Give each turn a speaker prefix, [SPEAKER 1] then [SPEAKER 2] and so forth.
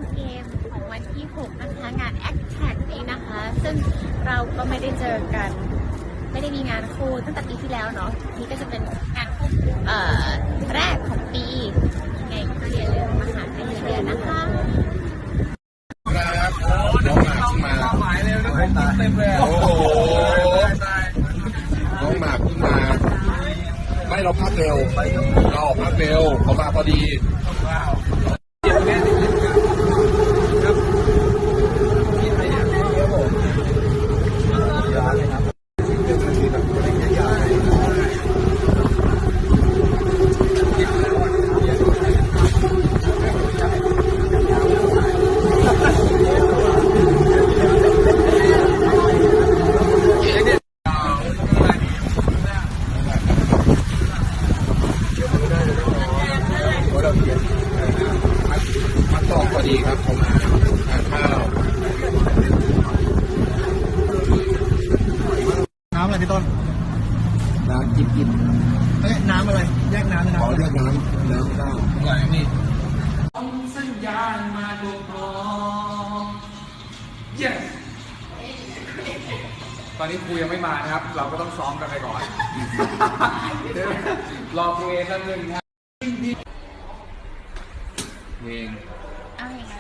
[SPEAKER 1] เกมของวันที่ 6 นะคะงาน Act Tag นี้นะคะ ซึ่งเราก็ไม่ได้เจอกัน ไม่ได้มีงานคู่ตั้งแต่ปีที่แล้วเนาะนี่ก็จะเป็นงานคู่แรกของปียังไงก็อย่าลืมมาหากันเยอะๆนะคะ
[SPEAKER 2] ครับน้องหมากขึ้นมาหมายเร็วด้วยเต็มเลยโอ้โหน้องหมากขึ้นมาไม่เราพักเร็วเราออกพักเร็วเขามาพอดีมันตองพอดีครับเขามาทานข้าว
[SPEAKER 3] น้ำอะไรพี่ต้น
[SPEAKER 2] น้ำจิบ
[SPEAKER 3] เอ้ยน้ำอะไรแยกน้ำนะ
[SPEAKER 2] ขอเรียกน้ำข้าวไหนนี่
[SPEAKER 4] สัญญาณมาถูกต้อง yes ตอนนี้ครูยังไม่มานะครับ เราก็ต้องซ้อมกันไปก่อน รอครูเอสักหนึ่งครับเพลง
[SPEAKER 1] เอาอย่าง